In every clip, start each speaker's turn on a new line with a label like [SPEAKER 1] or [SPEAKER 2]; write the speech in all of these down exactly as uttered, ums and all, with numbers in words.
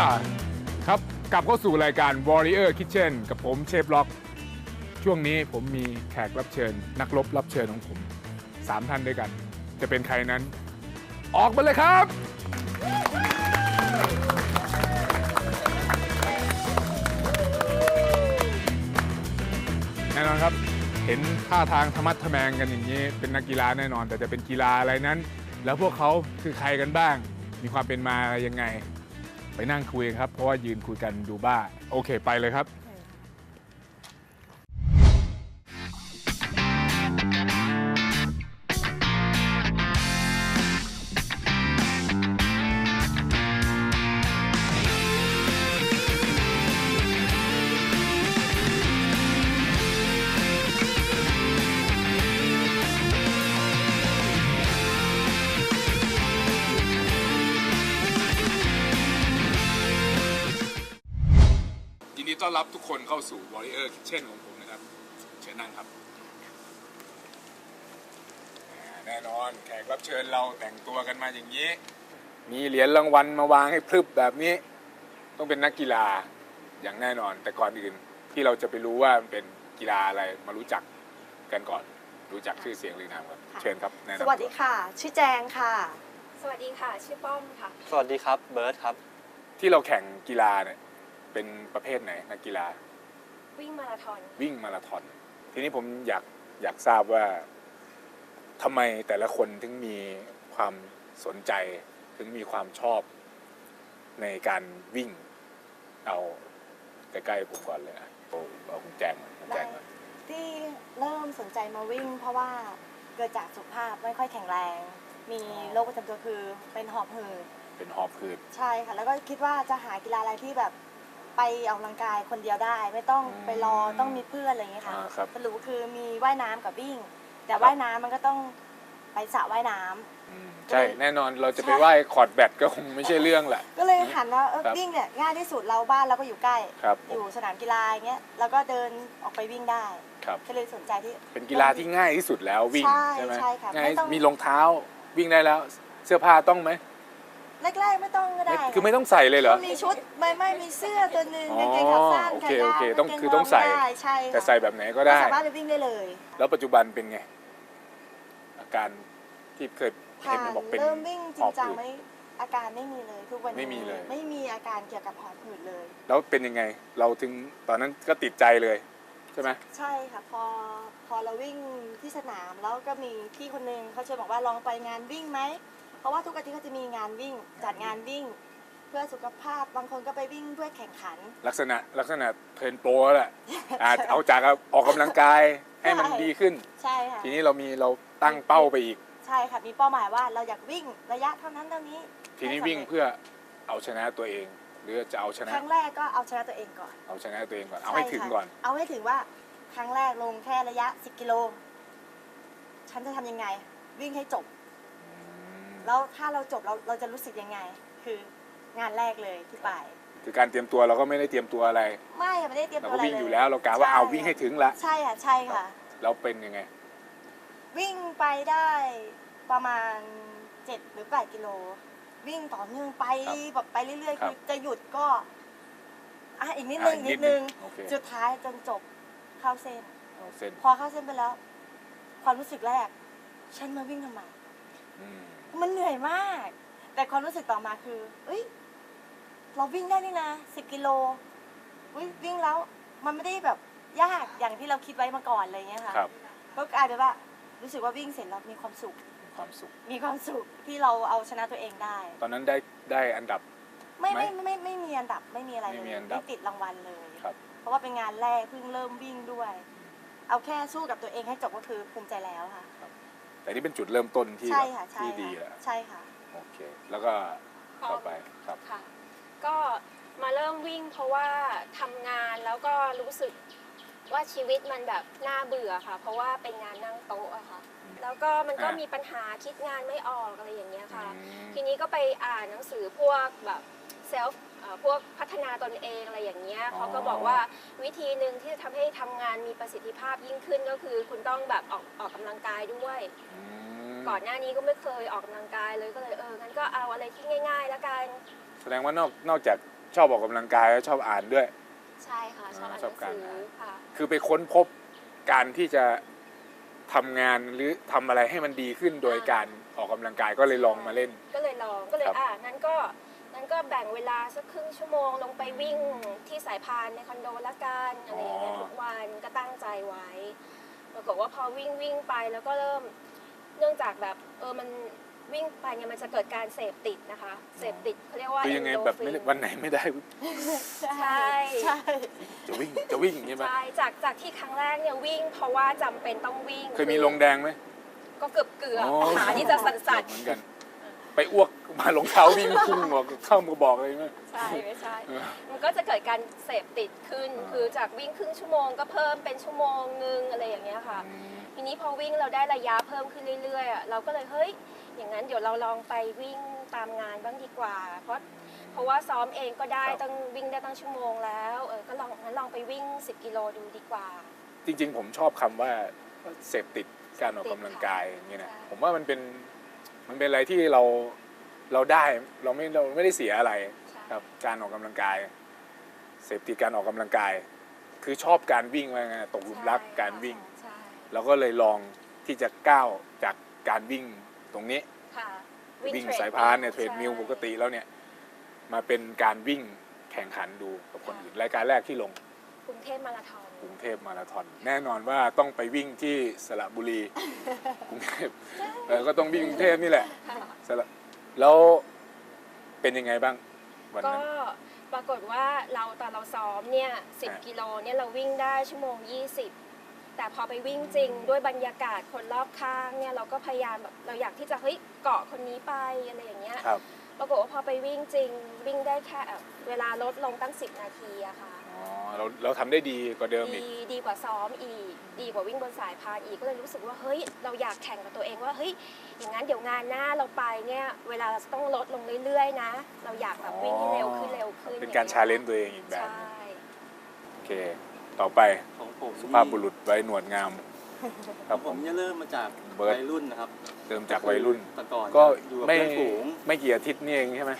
[SPEAKER 1] ครับกลับเข้าสู่รายการ Warrior Kitchen กับผมเชฟล็อกช่วงนี้ผมมีแขกรับเชิญ นักรบรับเชิญของผมสามท่านด้วยกัน จะเป็นใครนั้น ออกมาเลยครับ แน่นอนครับเห็นท่าทางธรรมัดทะแมงกันอย่างนี้เป็นนักกีฬาแน่นอน แต่จะเป็นกีฬาอะไรนั้น แล้วพวกเขาคือใครกันบ้าง มีความเป็นมาอะไรยังไง ไปนั่งคุยครับเพราะว่ายืนคุยกันดูบ้าโอเคไปเลยครับยินดีต้อนรับทุกคนเข้าสู่ Warrior Kitchen ของผมนะครับเชิญนั่งครับแน่นอนแขกรับเชิญเราแต่งตัวกันมาอย่างนี้มีเหรียญรางวัลมาวางให้พรึบแบบนี้ต้องเป็นนักกีฬาอย่างแน่นอนแต่ก่อนอื่นที่เราจะไปรู้ว่ามันเป็นกีฬาอะไรมารู้จักกันก่อนรู้จักชื่อเสียงหรือนามครับเชิญครับแนะนำ
[SPEAKER 2] สวัสดีค่ะชื่อแจงค่ะ
[SPEAKER 3] สวัสดีค่ะชื่อป้อมค่ะ
[SPEAKER 4] สวัสดีครับเบิร์ตครับ
[SPEAKER 1] ที่เราแข่งกีฬาเนี่ยเป็นประเภทไหนนักกีฬา
[SPEAKER 3] วิ่งมาราธอน
[SPEAKER 1] วิ่งมาราธอนทีนี้ผมอยากอยากทราบว่าทำไมแต่ละคนถึงมีความสนใจถึงมีความชอบในการวิ่งเอาใกล้ๆผมก่อนเลยนะเอาเอาคุณแจงคุณแจงก่อน
[SPEAKER 2] ที่เริ่มสนใจมาวิ่ง เพราะว่าเกิดจากสุขภาพไม่ค่อยแข็งแรง มีโรคประจำตัวคือเป็นหอบหืด
[SPEAKER 1] เป็นหอบหืด
[SPEAKER 2] ใช่ค่ะแล้วก็คิดว่าจะหากีฬาอะไรที่แบบไปออกกำลังกายคนเดียวได้ไม่ต้องไปรอต้องมีเพื่อนอะไรอย่างเงี้ยค่ะสรุปคือมีว่ายน้ำกับวิ่งแต่ว่ายน้ำมันก็ต้องไปสระว่ายน้ำ
[SPEAKER 1] ใช่แน่นอนเราจะไปว่ายคอร์ดแบดก็คงไม่ใช่เรื่องแหละ
[SPEAKER 2] ก็เลยหันว่าวิ่งเนี่ยง่ายที่สุดเราบ้านเราก็อยู่ใกล้อยู่สนามกีฬาอย่างเงี้ยแล้วก็เดินออกไปวิ่งได้ก็เลยสนใจที่
[SPEAKER 1] เป็นกีฬาที่ง่ายที่สุดแล้ววิ่งใช่ไหม
[SPEAKER 2] ใช่ค่ะ
[SPEAKER 1] ง่ายมีรองเท้าวิ่งได้แล้วเสื้อผ้าต้องไหม
[SPEAKER 2] แรกๆไม่ต้องก็ได้
[SPEAKER 1] คือไม่ต้องใส่เลยเหรอ
[SPEAKER 2] มีชุดไม่ไม่มีเสื้อตัวนึงกางเกงขาสั้น
[SPEAKER 1] โอเคโอเคต้องคือต้องใส่แต่ใส่แบบไหนก็ได้
[SPEAKER 2] สามารถไปวิ่งได้เลย
[SPEAKER 1] แล้วปัจจุบันเป็นไงอาการที่เคยเห็นบอกเป็น
[SPEAKER 2] เริ่มวิ่งจริงจังไม่อาการไม่มีเลยทุกวันนี้
[SPEAKER 1] ไม่มีเลย
[SPEAKER 2] ไม่มีอาการเกี่ยวกับหอบหืดเลย
[SPEAKER 1] แล้วเป็นยังไงเราถึงตอนนั้นก็ติดใจเลยใช่ไหม
[SPEAKER 2] ใช่ค่ะพอพอเราวิ่งที่สนามแล้วก็มีพี่คนนึงเขาชวนบอกว่าลองไปงานวิ่งไหมเพราะว่าทุกอาทิตย์ก็จะมีงานวิ่งจัดงานวิ่งเพื่อสุขภาพบางคนก็ไปวิ่งเพื่อแข่งขัน
[SPEAKER 1] ลักษณะลักษณะเทรนโปรแหละอาจเอาจากออกกำลังกายให้มันดีขึ้น
[SPEAKER 2] ใช่ค่ะ
[SPEAKER 1] ทีนี้เรามีเราตั้งเป้าไปอีก
[SPEAKER 2] ใช่ค่ะมีเป้าหมายว่าเราอยากวิ่งระยะเท่านั้นเท่านี้
[SPEAKER 1] ทีนี้วิ่งเพื่อเอาชนะตัวเองหรือจะเอาชนะ
[SPEAKER 2] ครั้งแรกก็เอาชนะตัวเองก่อน
[SPEAKER 1] เอาชนะตัวเองก่อนเอาให้ถึงก่อน
[SPEAKER 2] เอาให้ถึงว่าครั้งแรกลงแค่ระยะสิบกิโลฉันจะทำยังไงวิ่งให้จบแล้วถ้าเราจบเราเราจะรู้สึกยังไงคืองานแรกเลยที่ไป
[SPEAKER 1] คือการเตรียมตัวเราก็ไม่ได้เตรียมตัวอะไร
[SPEAKER 2] ไม่ไม่ได้เตรียมตัวอะไร
[SPEAKER 1] เราก็วิ่งอยู่แล้วเรากะว่าเอาวิ่งให้ถึงละ
[SPEAKER 2] ใช่ค่ะใช่ค่ะ
[SPEAKER 1] เราเป็นยังไง
[SPEAKER 2] วิ่งไปได้ประมาณเจ็ดหรือแปดกิโลวิ่งต่อเนื่องไปแบบไปเรื่อยๆคือจะหยุดก็อ่ะอีกนิดนึงนิดนึงสุดท้ายจนจบเข้าเส้นพอเข้าเส้นไปแล้วความรู้สึกแรกฉันมาวิ่งทำไมมันเหนื่อยมากแต่ความรู้สึกต่อมาคือเอ้ยเราวิ่งได้นี่นะสิบกิโลวิ่งแล้วมันไม่ได้แบบยากอย่างที่เราคิดไว้มาก่อนอะไรเงี้ยค่ะก็กลายเป็นว่ารู้สึกว่าวิ่งเสร็จแล้วมีความสุข
[SPEAKER 1] ความสุข
[SPEAKER 2] มีความสุขที่เราเอาชนะตัวเองได้
[SPEAKER 1] ตอนนั้นได้ได้อันดับ
[SPEAKER 2] ไม่ไม่ไม่ไม่มีอันดับไม่มีอะไรเลยไม่ติดรางวัลเลยเพราะว่าเป็นงานแรกเพิ่งเริ่มวิ่งด้วยเอาแค่สู้กับตัวเองให้จบก็คือภูมิใจแล้วค่ะ
[SPEAKER 1] แต่นี่เป็นจุดเริ่มต้นที่ที่ดีแล้ว
[SPEAKER 2] ใช่ค่ะ
[SPEAKER 1] โอเคแล้วก็ต่อไปครับ
[SPEAKER 3] ค่ะก็มาเริ่มวิ่งเพราะว่าทำงานแล้วก็รู้สึกว่าชีวิตมันแบบน่าเบื่อค่ะเพราะว่าเป็นงานนั่งโต๊ะอะค่ะแล้วก็มันก็มีปัญหาคิดงานไม่ออกอะไรอย่างเงี้ยค่ะทีนี้ก็ไปอ่านหนังสือพวกแบบเซลฟ์พวกพัฒนาตนเองอะไรอย่างเงี้ยเขาก็บอกว่าวิธีหนึ่งที่จะทำให้ทำงานมีประสิทธิภาพยิ่งขึ้นก็คือคุณต้องแบบออกออกกำลังกายด้วยก่อนหน้านี้ก็ไม่เคยออกกำลังกายเลยก็เลยเอองั้นก็เอาอะไรที่ง่ายๆแล้วกัน
[SPEAKER 1] แสดงว่านอกนอกจากชอบออกกำลังกายแล้วชอบอ่านด้วย
[SPEAKER 3] ใช่ค่ะชอบอ่านห
[SPEAKER 1] ช
[SPEAKER 3] นั
[SPEAKER 1] อบ
[SPEAKER 3] ง
[SPEAKER 1] การ
[SPEAKER 3] สือ
[SPEAKER 1] อ่าน
[SPEAKER 3] ค่ะ
[SPEAKER 1] คือไปค้นพบการที่จะทำงานหรือทำอะไรให้มันดีขึ้นโดยการออกกำลังกายก็เลยลองมาเล่น
[SPEAKER 3] ก็เลยลองก็เลย
[SPEAKER 1] ครับ
[SPEAKER 3] อ่านั้นก็นั้นก็แบ่งเวลาสักครึ่งชั่วโมงลงไปวิ่งที่สายพานในคอนโดละกันอะไรอย่างเงี้ยทุกวันก็ตั้งใจไว้ปรากฏว่าพอวิ่งวิ่งไปแล้วก็เริ่มเนื่องจากแบบเออมันวิ่งไปเนี่ยมันจะเกิดการเสพติดนะคะเสพติดเขาเรียกว่า
[SPEAKER 1] คือยังไงแบบไม่ได้วันไหนไม่ได้
[SPEAKER 3] ใช่
[SPEAKER 2] ใช่
[SPEAKER 1] จะวิ่งจะวิ่งอย่างเงี้ยไหม
[SPEAKER 3] ใช่จากจากที่ครั้งแรกเนี่ยวิ่งเพราะว่าจำเป็นต้องวิ่ง
[SPEAKER 1] เคยมีลงแดงไหม
[SPEAKER 3] ก็เกือบเกือบ
[SPEAKER 1] อ๋อ
[SPEAKER 3] ขาที่จะสั่น
[SPEAKER 1] เหมือนกัน ไปอ้วกมารองเท้าวิ่งพุ่งบอกเข้ามากระบอกเลยไหม
[SPEAKER 3] ๆใช่ไม่ใช่
[SPEAKER 1] เออ
[SPEAKER 3] มันก็จะเกิดการเสพติดขึ้น
[SPEAKER 1] อ่า
[SPEAKER 3] คือจากวิ่งครึ่งชั่วโมงก็เพิ่มเป็นชั่วโมงนึงอะไรอย่างเงี้ยค่ะ ทีนี้พอวิ่งเราได้ระยะเพิ่มขึ้นเรื่อยๆอ่ะเราก็เลยเฮ้ยอย่างนั้นเดี๋ยวเราลองไปวิ่งตามงานบ้างดีกว่า เพราะเพราะว่าซ้อมเองก็ได้ตั้งวิ่งได้ตั้งชั่วโมงแล้วเออก็ลองงั้นลองไปวิ่งสิบกิโลดูดีกว่า
[SPEAKER 1] จริงๆผมชอบคำว่าเสพติดการออกกำลังกายอย่างนี้นะ
[SPEAKER 3] ใช่
[SPEAKER 1] ผมว่ามันเป็นมันเป็นอะไรที่เราเราได้เราไม่เราไม่ได้เสียอะไร
[SPEAKER 3] ใช่
[SPEAKER 1] ครับการออกกำลังกาย เสพติดการออกกำลังกาย คือชอบการวิ่งมาไงตกหลุมรักการวิ่ง
[SPEAKER 3] ใช่
[SPEAKER 1] เราก็เลยลองที่จะก้าวจากการวิ่งตรงนี้
[SPEAKER 3] ค่ะ
[SPEAKER 1] วิ่ง
[SPEAKER 3] เทรด
[SPEAKER 1] สายพานเนี่ยเทรด
[SPEAKER 3] ใช่
[SPEAKER 1] มิลปกติแล้วเนี่ยมาเป็นการวิ่งแข่งขันดูกับคนอื่นรายการแรกที่ลง
[SPEAKER 3] กรุงเทพมาราธอน
[SPEAKER 1] กรุงเทพมาราธอนแน่นอนว่าต้องไปวิ่งที่สระบุรี กรุงเทพเออก็ต้องวิ่งกรุงเทพนี่แหละ
[SPEAKER 3] ค่ะ
[SPEAKER 1] สระแล้วเป็นยังไงบ้างวัน
[SPEAKER 3] ก็
[SPEAKER 1] นั้น
[SPEAKER 3] ปรากฏว่าเราตอนเราซ้อมเนี่ยสิบ
[SPEAKER 1] อ่ะ
[SPEAKER 3] กิโลเนี่ยเราวิ่งได้ชั่วโมงยี่สิบแต่พอไปวิ่งจริงด้วยบรรยากาศคนรอบข้างเนี่ยเราก็พยายามแบบเราอยากที่จะเฮ้ยเกาะคนนี้ไปอะไรอย่างเงี้ย
[SPEAKER 1] ครับ
[SPEAKER 3] ปรากฏว่าพอไปวิ่งจริงวิ่งได้แค่เวลาลดลงตั้งสิบนาทีอะค่ะ
[SPEAKER 1] อ๋อเราเราทำได้ดีกว่าเดิมอีก
[SPEAKER 3] ดีดีกว่าซ้อมอีก ดีกว่าวิ่งบนสายพานอีกก็เลยรู้สึกว่าเฮ้ยเราอยากแข่งกับตัวเองว่าเฮ้ยอย่างนั้นเดี๋ยวงานหน้าเราไปเนี่ยเวลาเราจะต้องลดลงเรื่อยๆนะ เราอยากแบบวิ่งให้เร็วขึ้นเร็วขึ้น
[SPEAKER 1] เป็นการ
[SPEAKER 3] อย่ง
[SPEAKER 1] ชา
[SPEAKER 3] งี้ย
[SPEAKER 1] เลนจ์ตัวเองอีกแบบ
[SPEAKER 3] ใช่
[SPEAKER 1] หนึ่งโอเค ต่อไป
[SPEAKER 4] ของผม
[SPEAKER 1] สุภาพบุรุษไว้หนวดงาม ค
[SPEAKER 4] ค
[SPEAKER 1] รั
[SPEAKER 4] รั
[SPEAKER 1] บบ ผ
[SPEAKER 4] ผม มจะเริ่มมาจาก
[SPEAKER 1] เบิร์ต
[SPEAKER 4] วัยรุ่นนะครับ
[SPEAKER 1] เริ่มจากวัยรุ่น
[SPEAKER 4] แต่ก่อน
[SPEAKER 1] ก็
[SPEAKER 4] อยู่กับ
[SPEAKER 1] ไม่
[SPEAKER 4] เพื่อนฝูง
[SPEAKER 1] ไม่กี่อาทิตย์นี่เองใช่ไหม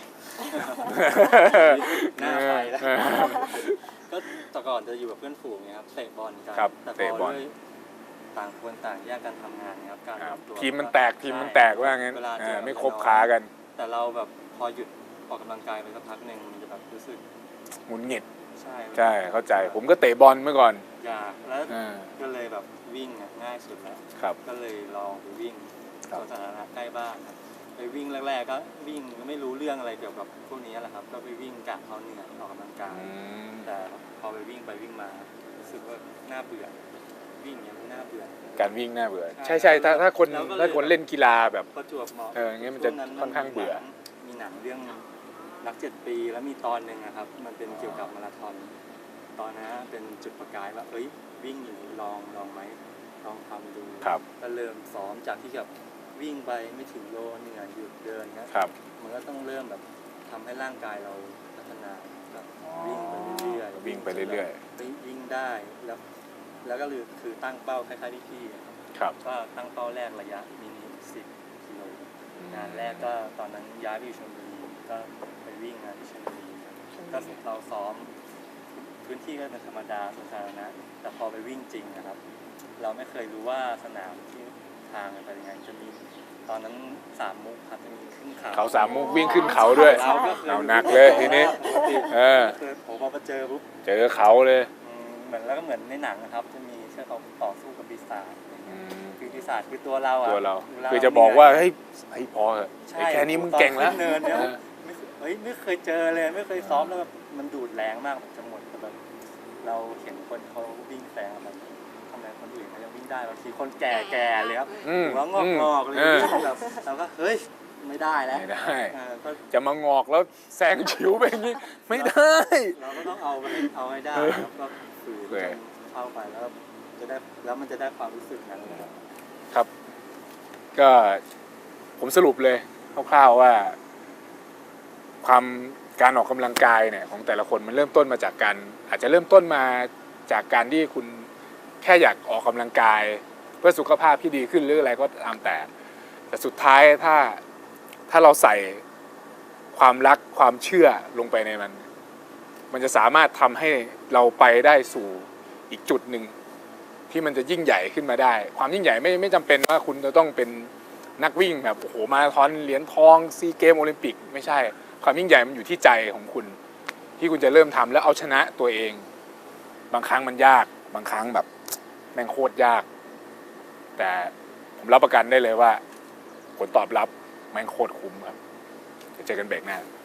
[SPEAKER 4] หน้าไปแล้ว
[SPEAKER 1] เออ
[SPEAKER 4] ก็แต่ก่อนจะอยู่กับเพื่อนฝูงเนี่ยครับเตะบอลกัน
[SPEAKER 1] ครับ
[SPEAKER 4] แต่พ
[SPEAKER 1] เตะบอล
[SPEAKER 4] ด้วยต่างคนต่างแยกกันทำงานนะครับการ
[SPEAKER 1] ครับ
[SPEAKER 4] วตัว
[SPEAKER 1] ทีมมันแตกทีมมันแตกว่างั้น
[SPEAKER 4] เวลาเจ
[SPEAKER 1] อ่า
[SPEAKER 4] อ
[SPEAKER 1] ไม่คบค้ากัน
[SPEAKER 4] แต่เราแบบพอหยุดออกกำลังกายไปสักพักหนึ่งมันจะแบบรู้สึก
[SPEAKER 1] หงุดหงิด
[SPEAKER 4] ใช่
[SPEAKER 1] ใช่เข้าใจ ผมก็เตะบอลเมื่อก่อน
[SPEAKER 4] อยากแล้ว
[SPEAKER 1] อ่า
[SPEAKER 4] ก็เลยแบบวิ่งอะง่ายสุดแล้ว
[SPEAKER 1] ครับ
[SPEAKER 4] ก็เลยลองไปวิ่ง
[SPEAKER 1] ครั
[SPEAKER 4] ส
[SPEAKER 1] บ
[SPEAKER 4] วนสาธารณะใกล้บ้านครับไปวิ่งแรกๆก็วิ่งไม่รู้เรื่องอะไรเกี่ยวกับพวกนี้แหละครับ ก็ไปวิ่งกะเอาเหนื่อยออกกำลังกาย
[SPEAKER 1] อืม
[SPEAKER 4] แต่พอไปวิ่งไปวิ่งมารู้สึกว่าน่าเบื่อวิ่งอย่างนี้น่าเบื่อ
[SPEAKER 1] การวิ่งน่าเบื่อ
[SPEAKER 4] ใช่
[SPEAKER 1] ใช่ใช่ถ้าถ้าคน
[SPEAKER 4] แล้วก็เลย
[SPEAKER 1] ถ้าคนเล่นกีฬาแบบ
[SPEAKER 4] ประจวบเหมาะ
[SPEAKER 1] เอออย่างงี้มันจะ
[SPEAKER 4] ช่ว
[SPEAKER 1] ค่อนข้างเบื่อ
[SPEAKER 4] มีหนังเรื่องรักเจ็ดปีแล้วมีตอนหนึ่งอะครับ มันเป็นเกี่ยวกับมาราธอนตอนนั้นเป็นจุดประกายว่าเอ้ยวิ่งอยู่ลองลองไหมลองทำดู
[SPEAKER 1] ครับ
[SPEAKER 4] ก็เริ่มซ้อมจากที่แบบวิ่งไปไม่ถึงโลเหนื่อยหยุดเดินนะครับ มันก็ต้องเริ่มแบบทำให้ร่างกายเราพัฒนาแบบวิ่งไปเรื่อยๆ
[SPEAKER 1] วิ่งไปเรื่อย
[SPEAKER 4] ๆวิ่งได้แล้วแล้วก็คือคือตั้งเป้าคล้ายๆที่พี่อะครับ
[SPEAKER 1] ๆ ครับ
[SPEAKER 4] ก็ตั้งเป้าแรกระยะมินิสิบกิโลงานแรกก็ตอนนั้นย้ายไปอยู่ชลบุรีก็ไปวิ่งงานที่ชลบุรีก็เราซ้อมพื้นที่ก็เป็นธรรมดาสวนสาธารณะแต่พอไปวิ่งจริงนะครับ เราไม่เคยรู้ว่าสนามที่ทางเป็นยังไงจะมีตอนนั้นสามมุกครับจะมีขึ้นเขา
[SPEAKER 1] เขาสามมุกวิ่งขึ้นเขาด้วย
[SPEAKER 4] เราก็เคย
[SPEAKER 1] เอาหนักเลยทีนี้
[SPEAKER 4] ปกติ
[SPEAKER 1] เออ
[SPEAKER 4] เคยผมพอมาเจอปุ๊บ
[SPEAKER 1] เจอเขาเลย
[SPEAKER 4] อืมเหมือนแล้วก็เหมือนในหนังนะครับ จะมีเชือกเขาต่อสู้กับปีศาจอะไรเงี้ยคือปีศาจคือตัวเราอะ
[SPEAKER 1] ตัวเรา
[SPEAKER 4] วล
[SPEAKER 1] คือจะบอกว่าเฮ้ยเฮ้ยพอเถอะ
[SPEAKER 4] ใช่
[SPEAKER 1] ไอ้แค่นี้มึงเก่งแล้ว
[SPEAKER 4] ตอนขึ้นเนินเนี่ย
[SPEAKER 1] เออ
[SPEAKER 4] ไม่เคยเฮ้ยไม่เคยเจอเลยไม่เคยซ้อมแล้วแบบมันดูดแรงมากแบบจะหมดแต่แบบเราเห็นคนเขาวิ่งแซงแบบทำไมคนอื่นเขายังวิ่งได้บางทีคนแก่ๆเลยครับ
[SPEAKER 1] อืม
[SPEAKER 4] หัวงอกงอกๆเลย
[SPEAKER 1] เออ
[SPEAKER 4] วิ่งแบบเราก็เฮ้ยไม่ได้แล้ว
[SPEAKER 1] ไม่ได้
[SPEAKER 4] เออก็
[SPEAKER 1] จะมางอกแล้วแซงชิวไปอย่างนี้ไม่ได้
[SPEAKER 4] เราก็ต้องเอาไปให้เอาให้ได้ครับก็ฝืน
[SPEAKER 1] โอเค
[SPEAKER 4] จนเข้าไปแล้วจะได้แล้วมันจะได้ความรู้สึกนั้นเลยครับ
[SPEAKER 1] ครับ ก็ผมสรุปเลยคร่าวๆว่า ความการออกกำลังกายเนี่ยของแต่ละคนมันเริ่มต้นมาจากการอาจจะเริ่มต้นมาจากการที่คุณแค่อยากออกกำลังกาย เพื่อสุขภาพที่ดีขึ้นหรืออะไรก็ตามแต่ แต่สุดท้ายถ้าถ้าเราใส่ความรักความเชื่อลงไปในมันมันจะสามารถทำให้เราไปได้สู่อีกจุดหนึ่งที่มันจะยิ่งใหญ่ขึ้นมาได้ ความยิ่งใหญ่ไม่ไม่จำเป็นว่าคุณจะต้องเป็นนักวิ่งแบบโอ้โหมาราธอนเหรียญทองซีเกมโอลิมปิกไม่ใช่ความยิ่งใหญ่มันอยู่ที่ใจของคุณ ที่คุณจะเริ่มทำแล้วเอาชนะตัวเอง บางครั้งมันยากบางครั้งแบบแม่งโคตรยาก แต่ผมรับประกันได้เลยว่าผลตอบรับแม่งโคตรคุ้มครับเจอกันเบรกหน้า